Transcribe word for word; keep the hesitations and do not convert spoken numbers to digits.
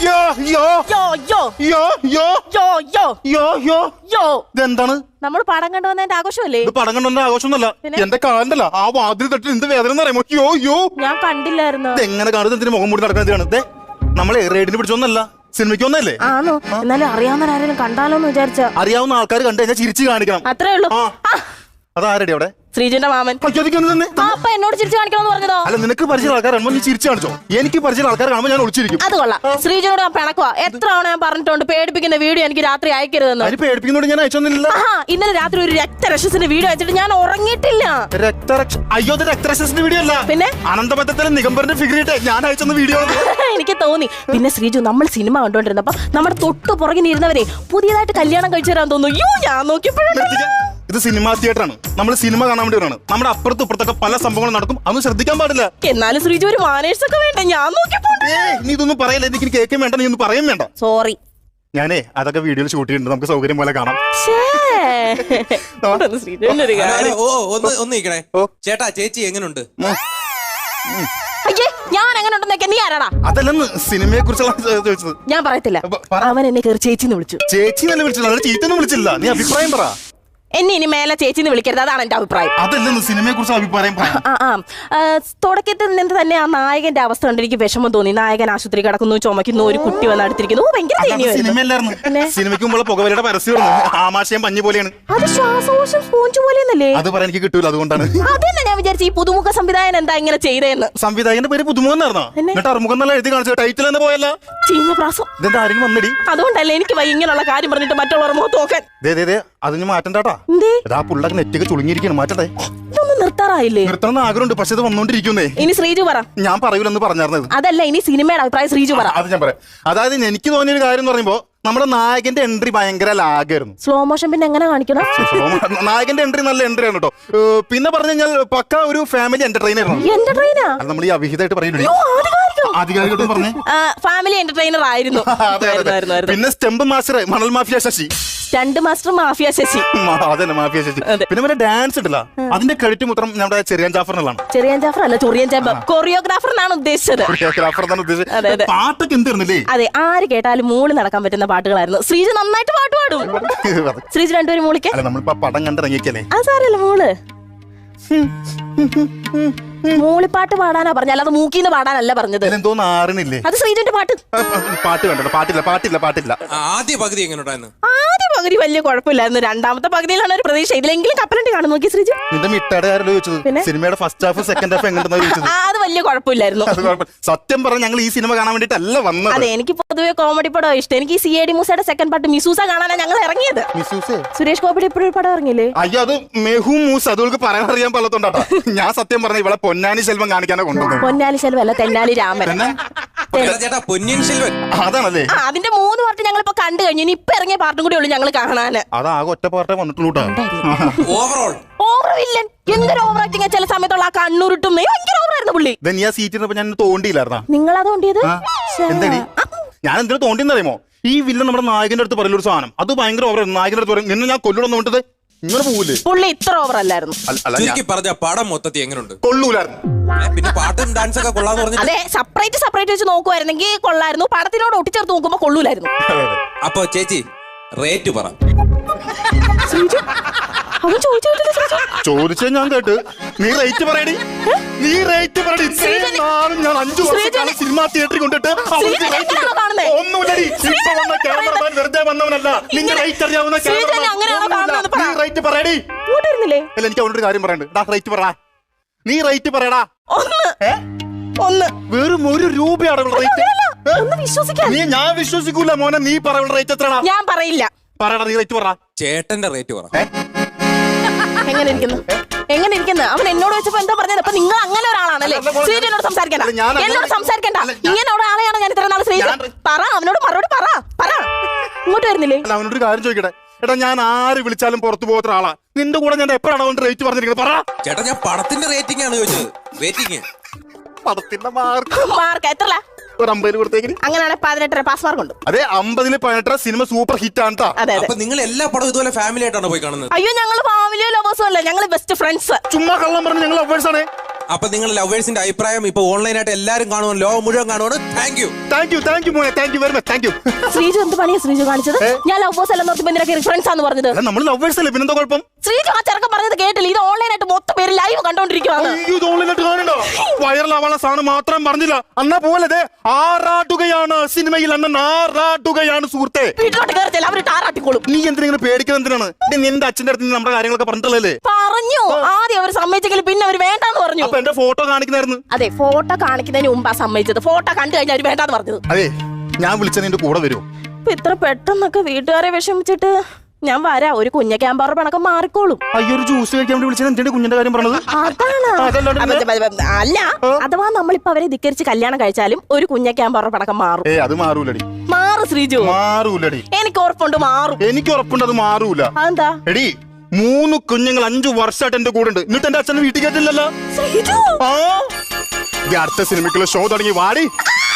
യോ യോ യോ യോ യോ യോ യോ യോ യോ യോ യോ ഇതെന്താണ്? നമ്മൾ പടം കണ്ടുവന്നതിന്റെ ആഘോഷമല്ലേ? ഇത് പടം കണ്ടോന്റെ ആഘോഷമൊന്നുമല്ല. എന്റെ കാലണ്ടല്ല ആ വാതിൽ തട്ടി എന്ത് വേദന അറിയാമോ? യോ യോ ഞാൻ കണ്ടില്ലായിരുന്നു. ഇത് എങ്ങനെ കാണുന്നത്? എന്തിനു മുഖം മൂടി നടക്കുന്നത്? നമ്മളെ റേഡിന് പിടിച്ചൊന്നല്ല, സിനിമയ്ക്ക് ഒന്നല്ലേ. ആണോ? എന്നാലും അറിയാവുന്ന ആരെങ്കിലും കണ്ടാലോന്ന് വിചാരിച്ച. അറിയാവുന്ന ആൾക്കാർ കണ്ടു കഴിഞ്ഞാൽ ചിരിച്ചു കാണിക്കണം. അത്രേ ഉള്ളൂ. അതാരടി അവിടെ? ശ്രീജുന്റെ മാമൻ. അപ്പൊ എന്നോട് ചിരിച്ചു കാണിക്കണമെന്ന് പറഞ്ഞതോ? അല്ല, നിനക്ക് പരിചയം ആൾക്കാർ കാണുമ്പോൾ നീ ചിരിച്ചു കാണിച്ചോ. എനിക്ക് പരിചയം ആൾക്കാർ കാണുമ്പോൾ ഞാൻ ഒളിച്ചിരിക്കും. അത് കൊള്ളാം. ശ്രീജുനോട് ഞാൻ പിണക്കുവാ. എത്ര തവണ ഞാൻ പറഞ്ഞിട്ടുണ്ട് പേടിപ്പിക്കുന്ന വീഡിയോ എനിക്ക് രാത്രി അയക്കരുതെന്ന്. അതിന് പേടിപ്പിക്കുന്നോട് ഞാൻ അയച്ചൊന്നുമില്ല. ഇന്നലെ രാത്രി ഒരു രക്തരക്ഷസിന്റെ വീഡിയോ അയച്ചിട്ട് ഞാൻ ഉറങ്ങിയിട്ടില്ല. രക്തരക്ഷ അയ്യോ, അത് രക്തരക്ഷസിന്റെ വീഡിയോ അല്ല. പിന്നെ അനന്തപത്രത്തിലെ നിഗംബറിന്റെ ഫിഗർ ഇട്ട് ഞാൻ അയച്ചെന്ന വീഡിയോ എനിക്ക് തോന്നി. പിന്നെ ശ്രീജു, നമ്മൾ സിനിമ കണ്ടോണ്ടിരുന്നപ്പോ നമ്മുടെ തൊട്ട് പുറകിനിരുന്നവരെ പുതിയതായിട്ട് കല്യാണം കഴിച്ചു തരാൻ തോന്നുന്നു. യോ, ഞാൻ നോക്കിയപ്പോഴും ഇത് സിനിമാ തിയേറ്ററാണ്. നമ്മൾ സിനിമ കാണാൻ വേണ്ടി വരാണ്. നമ്മുടെ അപ്പുറത്തും ഇപ്പുറത്തൊക്കെ പല സംഭവങ്ങളും നടക്കും. അതൊന്നും ശ്രദ്ധിക്കാൻ പാടില്ല. എന്നാലും ശ്രീജു ഒരു മാനേഴ്സ് ഒക്കെ വേണ്ട. ഞാൻ നോക്കിയപ്പോ നീ ഇതൊന്നും പറയല്ലേ. എനിക്ക് കേൾക്കാൻ വേണ്ട, നീ ഒന്നും പറയാൻ വേണ്ട. സോറി. ഞാനേ അതൊക്കെ വീഡിയോയിൽ ഷൂട്ട് ചെയ്യുന്നുണ്ട്. നമുക്ക് സൗകര്യം പോലെ കാണാം. ചേട്ടാ, ചേച്ചി എങ്ങനുണ്ട്? ഞാൻ എങ്ങനെ ഉണ്ടെന്നൊക്കെ നീ ആരാടാ? അതല്ലെന്ന് സിനിമയെ കുറിച്ചുള്ള ചോദിച്ചത്. ഞാൻ പറയത്തില്ല. അവൻ എന്നെ കയറി ചേച്ചിന്ന് വിളിച്ചു. ചേച്ചി തന്നെ വിളിച്ചില്ല, ചീത്തൊന്നും വിളിച്ചില്ല. നീ അഭിപ്രായം പറ. എന്നെ ഇനി മേലെ ചേച്ചിന്ന് വിളിക്കരുത്, അതാണ് എന്റെ അഭിപ്രായം. അതല്ലെന്ന് സിനിമയെ കുറിച്ച് അഭിപ്രായം പറ. തുടക്കത്തിൽ നിന്ന് തന്നെ ആ നായകന്റെ അവസ്ഥ കണ്ട് എനിക്ക് വിഷമം തോന്നി. നായകൻ ആശുപത്രി കിടക്കുന്നു, ചുമക്കുന്നു, ഒരു കുട്ടി വന്ന് അടുത്തിരിക്കുന്നു. സിനിമയല്ലായിരുന്നു. സിനിമയ്ക്ക് മുമ്പ് പുകവലിയുടെ പരസ്യം ആമാശയം പഞ്ഞു പോലെയാണ്. അത് ശ്വാസകോശം സ്പോഞ്ച് പോലെയെന്നല്ലേ? അത് പറയാൻ എനിക്ക് കിട്ടൂല, അതുകൊണ്ടാണ്. അതന്നെ ഞാൻ വിചാരിച്ചു ഈ പുതുമുഖ സംവിധായകൻ എന്താ ഇങ്ങനെ ചെയ്തതെന്ന്. സംവിധായകന്റെ പേര് പുതുമുഖം എന്നായിരുന്നോ? എന്നിട്ട് അറുമുഖം എന്നുള്ള എഴുതി കാണിച്ചു. ടൈറ്റിൽ തന്നെ പോയല്ല. ചീഞ്ഞ പ്രാസം. ഇതെന്താ ആരെങ്കിലും വന്നടി? അതുകൊണ്ടല്ലേ എനിക്ക് വൈ ഇങ്ങനെയുള്ള കാര്യം പറഞ്ഞിട്ട് മറ്റുള്ളവർ മുഖത്ത് നോക്കാൻ. അതിന് മാറ്റണ്ടാട്ടാ. ആ പുള്ളക്ക് നെറ്റൊക്കെ ചുളുങ്ങിയിരിക്കണം. മാറ്റട്ടെ. ഇതൊന്നും നിർത്താറായില്ലേ? നിർത്തണം ആഗ്രഹമുണ്ട്, പക്ഷെ ഇത് വന്നോണ്ടിരിക്കുന്നേ. ഇനി ശ്രീജു പറ. ഞാൻ പറയൂലെന്ന് പറഞ്ഞായിരുന്നത്. അതല്ല, ഇനി സിനിമയുടെ അഭിപ്രായം ശ്രീജു പറ. അത് ഞാൻ പറയാം. അതായത് എനിക്ക് തോന്നിയ ഒരു കാര്യം എന്ന് പറയുമ്പോ നമ്മുടെ നായകന്റെ എൻട്രി ഭയങ്കര ലാഗായിരുന്നു. സ്ലോ മോഷൻ പിന്നെ എങ്ങനെ കാണിക്കണം? നായകന്റെ എൻട്രി നല്ല എൻട്രി ആണ് കേട്ടോ. പിന്നെ പറഞ്ഞു കഴിഞ്ഞാൽ പക്ക ഒരു ഫാമിലി എന്റർടൈനർ ആണ്. നമ്മൾ ഈ അവിഹിതമായിട്ട് പറയുന്നത് ആധികാരികമായിട്ട് പറഞ്ഞേ ഫാമിലി എന്റർടൈനർ ആയിരുന്നു. പിന്നെ സ്റ്റെമ്പ് മാസ്റ്റർ മണൽ mafia Sasi. Stunt master mafia Sasi. അതന്നെ മാഫിയ ശശി. പിന്നെ പിന്നെ ഡാൻസ് ഇട്ടില്ല, അതിന്റെ ക്രെഡിറ്റ് മൊത്തം നമ്മുടെ ചെറിയാൻ ജാഫറിനാണ്. ചെറിയാൻ ജാഫർ അല്ല, ചൊറിയൻ ജാഫർ. കൊറിയോഗ്രാഫർ എന്നാണ് ഉദ്ദേശിച്ചത്. കൊറിയോഗ്രാഫർ എന്നാണ് ഉദ്ദേശിച്ചത്. പാട്ടൊക്കെ എന്തായിരുന്നില്ലേ? അതെ, ആര് കേട്ടാലും മൂളി നടക്കാൻ പറ്റുന്ന പാട്ടുകളായിരുന്നു. ശ്രീജു നന്നായിട്ട് പാട്ട് പാടും. ശ്രീജു രണ്ടുപേരും മൂളിക്കാൻ. നമ്മളിപ്പോ പടം കണ്ടിറങ്ങിക്കല്ലേ. അത് സാരല്ല, മൂള്. മൂളിപ്പാട്ട് പാടാനാ പറഞ്ഞ, അല്ലാതെ മൂക്കിന്ന് പാടാനല്ല പറഞ്ഞത്. എന്തോന്ന് ആറിനില്ലേ? അത് ശ്രീജുന്റെ പാട്ട്. പാട്ട് കണ്ടോ? പാട്ടില്ല പാട്ടില്ല പാട്ടില്ല. ആദ്യ പകുതി എങ്ങനെയുണ്ടായിരുന്നു? ആദ്യ പകുതി വലിയ കുഴപ്പമില്ലായിരുന്നു. രണ്ടാമത്തെ പകുതിയിലാണ് ഒരു പ്രതീക്ഷ. ഇതിലെങ്കിലും കപ്പലണ്ടി കാണും. നോക്കി ശ്രീജു. നിന്റെ മിട്ടാടുകാരല്ലോ ചോദിച്ചത്. സിനിമയുടെ ഫസ്റ്റ് ഹാഫ് സെക്കൻഡ് ഹാഫ് എങ്ങനെയാ ചോദിച്ചത്? അത് വലിയ കുഴപ്പമില്ലായിരുന്നു. സത്യം പറഞ്ഞ ഞങ്ങൾ ഈ സിനിമ കാണാൻ വേണ്ടിട്ടല്ല വന്നത്. അതെ, എനിക്ക് പൊതുവെ കോമഡി പടം ഇഷ്ടം. എനിക്ക് സി എ ഡി മൂസയുടെ സെക്കൻഡ് പാർട്ട് മിസൂസ കാണാനാണ് ഞങ്ങൾ ഇറങ്ങിയത്. സുരേഷ് ഗോപിയുടെ ഇപ്പോഴൊരു പടം ഇറങ്ങിയില്ലേ? അയ്യോ, അത് മെഹു മൂസ്. അതുകൊണ്ട് പറയാൻ അറിയാൻ പാടത്തോണ്ടാ. ഞാൻ സത്യം പറഞ്ഞ ഇവിടെ പൊന്നാനി സെൽവം കാണിക്കാനോ കൊണ്ടുവന്നത്. പൊന്നാനി സെൽവം അല്ല, തെന്നാലി രാമൻ. അതാണല്ലേ? അതിന്റെ മൂന്ന് പാർട്ട് ഞങ്ങൾ ഇപ്പൊ കണ്ടു കഴിഞ്ഞു. ഇനി ഇപ്പൊ ഇറങ്ങിയ പാർട്ടും കൂടി ഉള്ളു ഞങ്ങൾ കാണാന്. അതാകെ ഒറ്റ പാർട്ടേ വന്നിട്ടുള്ളൂ. Overall over villain. എന്തൊരു ഓവർ ആക്ടിങ്. ചില സമയത്തുള്ള ആ കണ്ണൂരിട്ടും ഭയങ്കര ഓവറായിരുന്നു പുള്ളി. നീ ആ സീറ്റിൽ ഞാൻ തോണ്ടിയില്ലായിരുന്നാ? നിങ്ങൾ അത് തോണ്ടിയത്? എന്താടി ഞാൻ എന്തിനു തോണ്ടിയെന്നറിയുമോ? ഈ വില്ലൻ നമ്മുടെ നായകന്റെ അടുത്ത് പറയുന്ന ഒരു സാധനം അത് ഭയങ്കര ഓവറായിരുന്നു. നായകന്റെ അടുത്ത് പറയും നിന്നെ ഞാൻ കൊല്ലണം നോട്ടത് ഇങ്ങനെ പോകൂലേ? പുള്ളി ഇത്ര ഓവർ അല്ലായിരുന്നു. പറഞ്ഞ പടം മൊത്തത്തിൽ എങ്ങനെയുണ്ട്? കൊള്ളൂലായിരുന്നു. പിന്നെ പാട്ടും ഡാൻസ് ഒക്കെ കൊള്ളാന്ന് പറഞ്ഞു. അതെ, സെപ്പറേറ്റ് സെപ്പറേറ്റ് വെച്ച് നോക്കുവായിരുന്നെങ്കിൽ കൊള്ളായിരുന്നു. പടത്തിനോട് ഒട്ടിച്ചേർത്ത് നോക്കുമ്പോ കൊള്ളൂലായിരുന്നു. അപ്പൊ ചേച്ചി റേറ്റ് പറ. ചോദിച്ച ഞാൻ കേട്ട്. നീ റേറ്റ് പറയടി. നീ റേറ്റ് പറയടി. ഞാൻ അഞ്ചു വർഷം സിനിമാ തിയേറ്ററിൽ കൊണ്ടിട്ട് ഒന്നുമില്ലടി. ഇപ്പൊ വന്ന ക്യാമറമാൻ വെറുതെ വന്നവനല്ല. നിന്റെ റേറ്റ് അറിയാവുന്ന റേറ്റ് പറയടി. അല്ല, എനിക്ക് അവനോട് കാര്യം പറയണ്ട്. റേറ്റ് പറ. നീ റേറ്റ് പറയടാ. ഒന്ന് വെറും ഒരു രൂപയാണ് റേറ്റ്. നീ ഞാൻ വിശ്വസിക്കൂല മോനെ. നീ പറയുന്ന റേറ്റ് എത്രടാ? ഞാൻ പറയില്ല. പറയടാ, നീ റേറ്റ് പറ. ചേട്ടന്റെ റേറ്റ് പറ. എങ്ങനെ ഇരിക്കുന്നു? എങ്ങനെ ഇരിക്കുന്നു? അവൻ എന്നോട് വെച്ചപ്പോ എന്താ പറഞ്ഞത്? അപ്പൊ നിങ്ങൾ അങ്ങനെ ഒരാളാണല്ലേ? ശ്രീജനോട് സംസാരിക്കണ്ട, എന്നോട് സംസാരിക്കണ്ട. ഇങ്ങനെ ഒരാളെയാണ് ഞാൻ ഇത്ര നാൾ ശ്രീജൻ. പറ, അവനോട് മറുപടി പറ. പറ. ഇങ്ങോട്ട് വരുന്നില്ലേ? അവനോട് ഒരു കാര്യം ചോദിക്കട്ടെ. എടാ, ഞാൻ ആര് വിളിച്ചാലും പുറത്തു പോകാത്ത ആളാ. നിന്റെ കൂടെ ഞാൻ എപ്പോഴാണ് അവന്റെ റേറ്റ് പറഞ്ഞിരിക്കുന്നത്? പറ. ചേട്ടാ, ഞാൻ പടത്തിന്റെ റേറ്റിംഗ് ആണ് ചോദിച്ചത്. റേറ്റിംഗ് പടത്തിന്റെ മാർക്ക് മാർക്ക് എത്ര? ഒരു അമ്പതിൽ കൊടുത്തേക്ക്. അങ്ങനെയാണ് പതിനെട്ടര പാസ് മാർക്ക് ഉണ്ട്. അതെ, അമ്പതില് പതിനെട്ടര സിനിമ സൂപ്പർ ഹിറ്റ് ആണ്. അപ്പൊ നിങ്ങൾ എല്ലാ പടവും ഇതുപോലെ ഫാമിലി ആയിട്ടാണ് പോയി കാണുന്നത്? അയ്യോ, ഞങ്ങൾ ഫാമിലിയോ ലവേഴ്സും അല്ല, ഞങ്ങൾ ബെസ്റ്റ് ഫ്രണ്ട്സ്. ചുമ്മാ കള്ളം പറഞ്ഞു. ഞങ്ങൾ ലവേഴ്സ് ആണ്. അപ്പൊ നിങ്ങൾ ലവേഴ്സിന്റെ അഭിപ്രായം ഇപ്പൊ ഓൺലൈനായിട്ട് എല്ലാരും കാണുവാൻ ലോകം മുഴുവൻ കാണുവാണ്. Thank you thank you thank you മോനെ thank you very much thank you. Sreeju എന്ത് പണിയാ ശ്രീജു കാണിച്ചത്? ഞാൻ ലവേഴ്സ് അല്ലെന്ന് ഓർത്ത് എന്തിനൊക്കെ റിഫറൻസ് ആണെന്ന് പറഞ്ഞത്? അല്ല നമ്മൾ ലവേഴ്സ് അല്ലേ, പിന്നെന്താ കുഴപ്പം? ശ്രീജു ആ ചെറുക്കൻ പറഞ്ഞത് കേട്ടില്ല. ഇത് ഓൺലൈനായിട്ട് മൊത്തം പേര് ലൈവ് കണ്ടോണ്ടിരിക്കുവാണ്. അയ്യോ ഇത് ഓൺലൈനായിട്ട് കാണണ്ടോ? വൈറലാവാനുള്ള സാധനം മാത്രം പറഞ്ഞില്ല. അന്നാ പോലെ ആറാട്ടുകയാണ് സിനിമയിൽ, അണ്ണൻ ആറാട്ടുകയാണ് സുഹൃത്തെ. വീട്ടിലോട്ട് കയറത്തില്ല, അവര് ടാറാട്ടിക്കോളും. നീ എന്തിനാ പേടിക്കുന്നത്? എന്തിനാണ് നിന്റെ അച്ഛന്റെ അടുത്ത് നമ്മുടെ കാര്യങ്ങളൊക്കെ പറഞ്ഞിട്ടല്ലേ? പറഞ്ഞു ആദ്യം അവർ സമ്മതിച്ചെങ്കിൽ പിന്നെ അവർ വേണ്ടാന്ന് പറഞ്ഞു. അപ്പൊ എന്റെ ഫോട്ടോ കാണിക്കുന്നായിരുന്നു. അതെ, ഫോട്ടോ കാണിക്കുന്നതിന് മുമ്പാ സമ്മതിച്ചത്. ഫോട്ടോ കണ്ടു കഴിഞ്ഞാൽ അവർ വേണ്ടാന്ന് പറഞ്ഞത്. അതെ, ഞാൻ വിളിച്ച നിന്റെ കൂടെ വരുമോ? ഇപ്പൊ ഇത്ര പെട്ടെന്നൊക്കെ വീട്ടുകാരെ വിഷമിച്ചിട്ട് ഞാൻ വരാം. ഒരു കുഞ്ഞ ക്യാമ്പറ പണക്കം മാറിക്കോളും. അയ്യോ ഒരു ജ്യൂസ് കഴിക്കാൻ വേണ്ടി വിളിച്ചത് എന്തിന്റെ കുഞ്ഞിന്റെ കാര്യം പറഞ്ഞത്? അതാണ് അല്ല, അഥവാ നമ്മളിപ്പോ അവരെ ധിക്കരിച്ച് കല്യാണം കഴിച്ചാലും ഒരു കുഞ്ഞ ക്യാമ്പറ പണക്കം മാറും. ഏ അത് മാറൂലടി. മാറും ശ്രീജു, മാറൂലടി. എനിക്ക് ഉറപ്പുണ്ട് മാറും. എനിക്ക് ഉറപ്പുണ്ട് അത് മാറൂല. അതെന്താ? എടി മൂന്ന് കുഞ്ഞുങ്ങൾ അഞ്ചു വർഷമായിട്ട് എന്റെ കൂടെ ഉണ്ട്, എന്നിട്ട് എന്റെ അച്ഛനെ വീട്ടിൽ കേട്ടില്ലല്ലോ. ശ്രീജു ആ അടുത്ത സിനിമയ്ക്കുള്ള ഷോ തുടങ്ങി വാടി.